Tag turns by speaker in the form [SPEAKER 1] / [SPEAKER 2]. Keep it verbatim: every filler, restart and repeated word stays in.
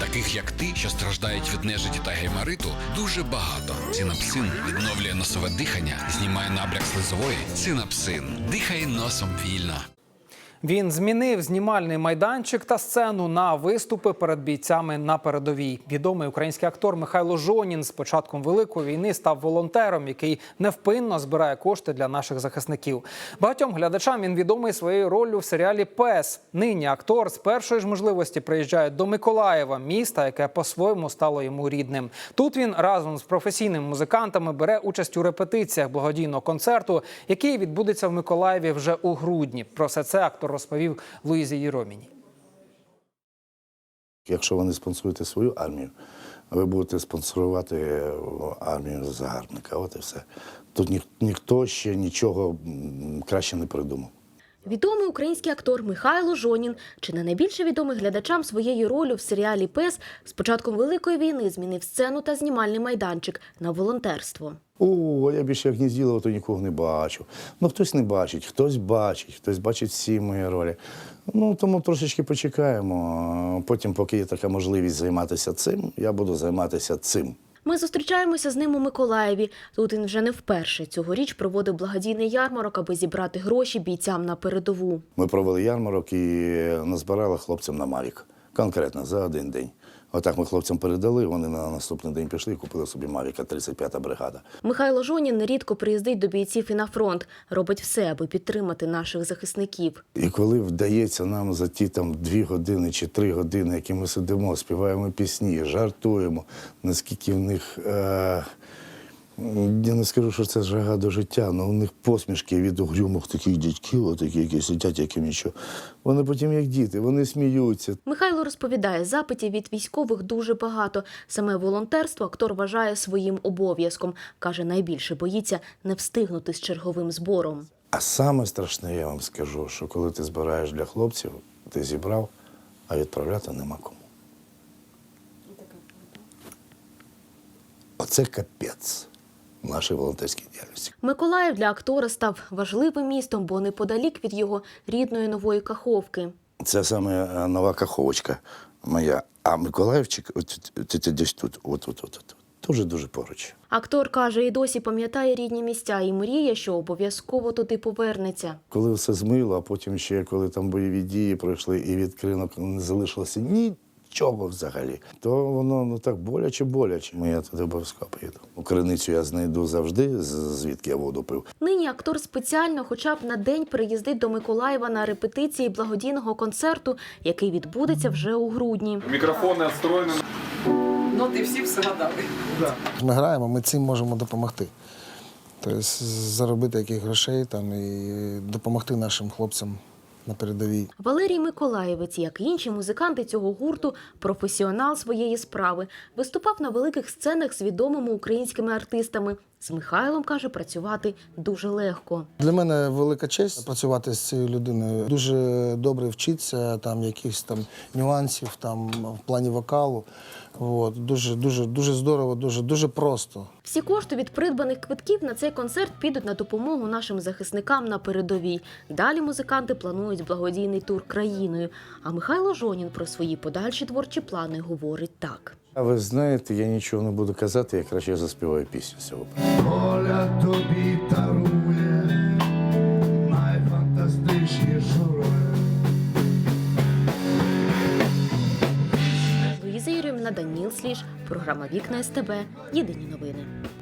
[SPEAKER 1] Таких, як ти, що страждають від нежиті та геймариту, дуже багато. Цинапсин відновлює носове дихання, знімає набряк слизової. Цинапсин. Дихай носом вільно.
[SPEAKER 2] Він змінив знімальний майданчик та сцену на виступи перед бійцями на передовій. Відомий український актор Михайло Жонін з початком Великої війни став волонтером, який невпинно збирає кошти для наших захисників. Багатьом глядачам він відомий своєю роллю в серіалі «Пес». Нині актор з першої ж можливості приїжджає до Миколаєва, міста, яке по-своєму стало йому рідним. Тут він разом з професійними музикантами бере участь у репетиціях благодійного концерту, який відбудеться в Миколаєві вже у грудні. Про все це актор розповів Луїзі Єроміній.
[SPEAKER 3] Якщо ви не спонсоруєте свою армію, ви будете спонсорувати армію загарбника. От і все. Тут ніх, ніхто ще нічого краще не придумав.
[SPEAKER 4] Відомий український актор Михайло Жонін, чи не найбільше відомий глядачам своєю роллю в серіалі «Пес», з початком Великої війни змінив сцену та знімальний майданчик на волонтерство.
[SPEAKER 3] О, я більше як Гнізділова, то нікого не бачу. Ну, хтось не бачить, хтось бачить, хтось бачить всі мої ролі. Ну, тому трошечки почекаємо. Потім, поки є така можливість займатися цим, я буду займатися цим.
[SPEAKER 4] Ми зустрічаємося з ним у Миколаєві. Тут він вже не вперше. Цьогоріч проводив благодійний ярмарок, аби зібрати гроші бійцям на передову.
[SPEAKER 3] Ми провели ярмарок і назбирали хлопцям на Мавік. Конкретно, за один день. Отак ми хлопцям передали, вони на наступний день пішли і купили собі Мавіка, тридцять п'ята бригада.
[SPEAKER 4] Михайло Жонін нерідко приїздить до бійців і на фронт. Робить все, аби підтримати наших захисників.
[SPEAKER 3] І коли вдається нам за ті там дві години чи три години, які ми сидимо, співаємо пісні, жартуємо, наскільки в них, е я не скажу, що це жага до життя, але у них посмішки від угрюмих таких дядьків, отакі, які сидять, яким нічого. Вони потім як діти, вони сміються.
[SPEAKER 4] Михайло розповідає, запитів від військових дуже багато. Саме волонтерство актор вважає своїм обов'язком. Каже, найбільше боїться не встигнути з черговим збором.
[SPEAKER 3] А саме страшне, я вам скажу, що коли ти збираєш для хлопців, ти зібрав, а відправляти нема кому. Оце капець нашій волонтерській діяльності.
[SPEAKER 4] Миколаїв для актора став важливим містом, бо неподалік від його рідної Нової Каховки.
[SPEAKER 3] Це саме Нова Каховочка моя. А Миколаївчик от, от, от, десь тут, от, от, от, от. Дуже-дуже поруч.
[SPEAKER 4] Актор каже, і досі пам'ятає рідні місця і мріє, що обов'язково туди повернеться.
[SPEAKER 3] Коли все змило, а потім ще, коли там бойові дії пройшли і від кринок не залишилося нічого взагалі, то воно ну так боляче-боляче. Я туди обов'язково поїду. У криницю я знайду завжди, звідки я воду пив.
[SPEAKER 4] Нині актор спеціально хоча б на день приїздить до Миколаєва на репетиції благодійного концерту, який відбудеться вже у грудні.
[SPEAKER 5] Мікрофони відстроєні.
[SPEAKER 6] Ноти всі все гадали.
[SPEAKER 7] Ми граємо, ми цим можемо допомогти. Тобто заробити яких грошей там, і допомогти нашим хлопцям на передовій.
[SPEAKER 4] Валерій Миколаєвець, як і інші музиканти цього гурту, професіонал своєї справи. Виступав на великих сценах з відомими українськими артистами. З Михайлом, каже, працювати дуже легко.
[SPEAKER 7] Для мене велика честь працювати з цією людиною. Дуже добре вчитися, там якихось там нюансів там в плані вокалу. От, дуже, дуже, дуже здорово, дуже, дуже просто.
[SPEAKER 4] Всі кошти від придбаних квитків на цей концерт підуть на допомогу нашим захисникам на передовій. Далі музиканти планують благодійний тур країною. А Михайло Жонін про свої подальші творчі плани говорить так.
[SPEAKER 3] А ви знаєте, я нічого не буду казати, я краще заспіваю пісню сьогодні.
[SPEAKER 8] Доля тобі дарує найфантастичнішу роль.
[SPEAKER 4] Луїза Єроміна, Даніл Сліж, програма «Вікна СТБ», єдині новини.